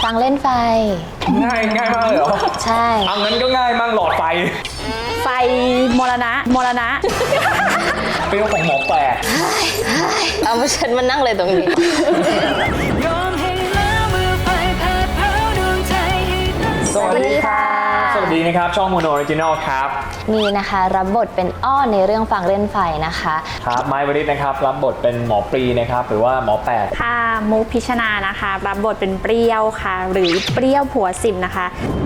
ฟังเล่นไฟง่ายมากเลยเหรอใช่เอางั้นก็ง่ายมากหลอดไฟไฟมรณะเปรี้ยวของหมอแปลกเอามาฉันมานั่งเลยตรงนี้สวัสดีค่ะสวัสดีนะครับช่องโมโนออริจินอลครับนี่นะคะรับบทเป็นอ้อนในเรื่องฟังเล่นไฟนะคะครับไม้วริศนะครับรับบทเป็นหมอปรีนะครับหรือว่าหมอแปดค่ะมุกพิชนานะคะรับบทเป็นเปรี้ยวค่ะหรือเปรี้ยวผัวสิมนะคะ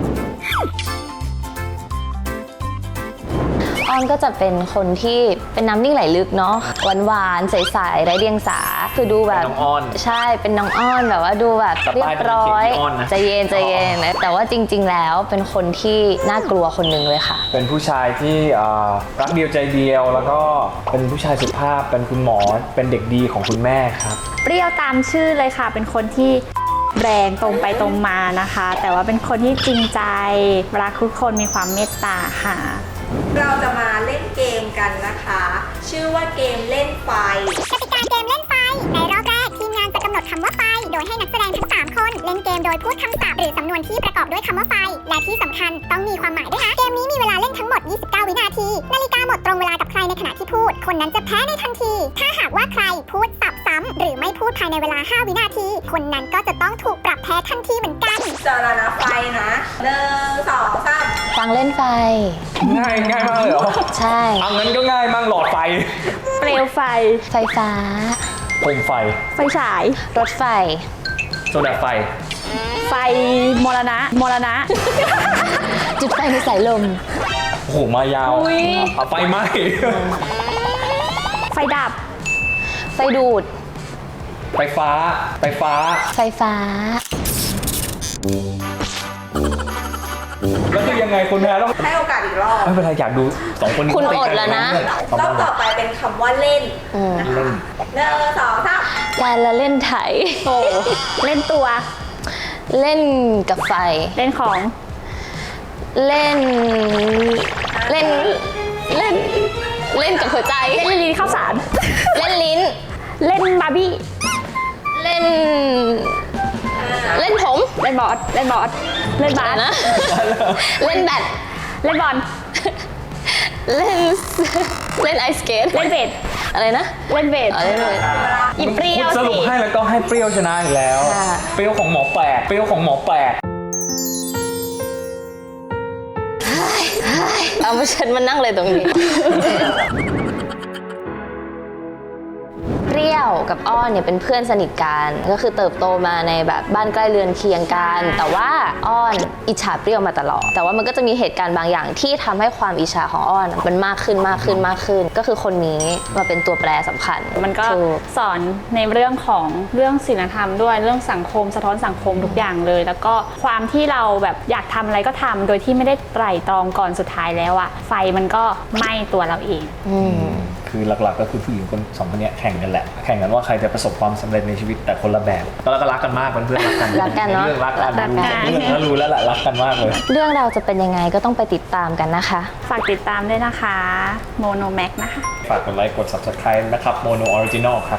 อ้อนก็จะเป็นคนที่เป็นน้ำนิ่งไหลลึกเนาะหวานๆใสๆไร้เดียงสาคือดูแบบน้องอ้อนใช่เป็นน้องอ้อนแบบว่าดูแบบเรียบร้อยใจเย็นแต่ว่าจริงๆแล้วเป็นคนที่น่ากลัวคนหนึ่งเลยค่ะเป็นผู้ชายที่รักเดียวใจเดียวแล้วก็เป็นผู้ชายสุภาพเป็นคุณหมอเป็นเด็กดีของคุณแม่ครับเปรี้ยวตามชื่อเลยค่ะเป็นคนที่แรงตรงไปตรงมานะคะแต่ว่าเป็นคนที่จริงใจรักทุกคนมีความเมตตาค่ะเราจะมาเล่นเกมกันนะคะ ชื่อว่าเกมเล่นไฟกติกาเกมเล่นไฟในรอบแรกทีมงานจะกำหนดคำว่าไฟโดยให้นักแสดงทั้ง3คนเล่นเกมโดยพูดคำศัพท์หรือสำนวนที่ประกอบด้วยคำว่าไฟและที่สำคัญต้องมีความหมายด้วยนะเกมนี้มีเวลาเล่นทั้งหมด29วินาทีนาฬิกาหมดตรงเวลากับใครในขณะที่พูดคนนั้นจะแพ้ในทันทีถ้าหากว่าใครพูดสับซ้ำหรือไม่พูดภายในเวลา5วินาทีคนนั้นก็จะต้องถูกปรับแพ้ทันทีเหมือนกันจะนับไฟนะ1 2 3 ฟังเล่นไฟง่ายมากเลยเหรอใช่เอางั้นก็ง่ายมากหลอดไฟเปลวไฟไฟฟ้าโคมไฟไฟฉายรถไฟโซดาไฟไฟมรณะจุดไฟในสายลมโอ้โหมายาวเอาไฟไหม้ไฟดับไฟดูดไฟฟ้าไฟฟ้าแล้วคือยังไงคุณแพ้ต้องให้โอกาสอีกรอบไม่เป็นไรอยากดู2คนนี้คุณอดแล้วนะรอบต่อไปเป็นคำว่าเล่นนะคะ1 2 3 การละเล่นไถโอ้เล่นตัวเล่นกับไฟเล่นของเล่นกับหัวใจเล่นลิ้นข้าวสารเล่นลิ้นเล่นบาร์บี้เล่นผมเล่นบาสเล่นบาสนะเล่นแบดเล่นบอลเล่นไอสเกตเล่นเบสอะไรนะเล่นเบสอีเปรี้ยวสรุปให้แล้วก็ให้เปรี้ยวชนะอีกแล้วเปรี้ยวของหมอแปลกเอามาฉันมานั่งเลยตรงนี้เปรี้ยวกับอ้อนเนี่ยเป็นเพื่อนสนิทกันก็คือเติบโตมาในแบบบ้านใกล้เรือนเคียงกันแต่ว่าอ้อนอิจฉาเปรี้ยวมาตลอดแต่ว่ามันก็จะมีเหตุการณ์บางอย่างที่ทำให้ความอิจฉาของอ้อนมันมากขึ้นก็คือคนนี้มาเป็นตัวแปรสำคัญมันก็สอนในเรื่องของเรื่องศีลธรรมด้วยเรื่องสังคมสะท้อนสังคมทุกอย่างเลยแล้วก็ความที่เราแบบอยากทำอะไรก็ทำโดยที่ไม่ได้ไตร่ตรองก่อนสุดท้ายแล้วอะไฟมันก็ไหม้ตัวเราเองคือหลักๆก็คือผู้หญิง2 คนนี้แข่งกันแหละแข่งกันว่าใครจะประสบความสำเร็จในชีวิตแต่คนละแบบแล้วก็รักกันมากเพื่อนรักกันเนาะเรื่องรักกันรู้แล้วแหละรักกันมากเลยเรื่องเราจะเป็นยังไงก็ต้องไปติดตามกันนะคะฝากติดตามด้วยนะคะโมโนแม็กนะคะฝากกดไลค์กด Subscribe นะครับโมโนออริจินอลครับ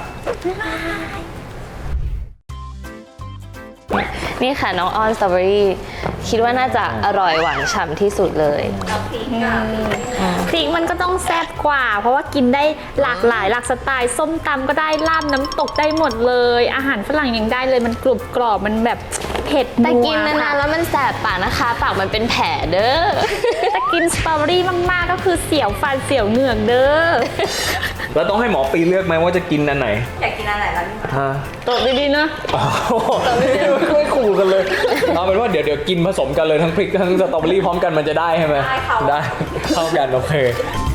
นี่ค่ะน้องอ้อนสตรอเบอรี่คิดว่าน่าจะอร่อยหวานฉ่ำที่สุดเลยพริกมันก็ต้องแซ่บกว่าเพราะว่ากินได้หลากหลายหลากสไตล์ส้มตำก็ได้ลาบน้ำตกได้หมดเลยอาหารฝรั่งยังได้เลยมันกรุบกรอบมันแบบเผ็ดนัวแต่กินนานๆแล้วมันแสบปากนะคะปากมันเป็นแผลเด้อแต่กินสตรอเบอรี่มากๆก็คือเสียวฟันเสียวเหงือกเด้อแล้วต้องให้หมอปีเลือกไหมว่าจะกินอันไหนอยากกินอันไหนล่ะตบดีๆนะไม่ขู่กันเลยเอาเป็นว่าเดี๋ยวกินผสมกันเลยทั้งพริกทั้งสตรอเบอรี่พร้อมกันมันจะได้ใช่ไหมได้เข้ากันโอเค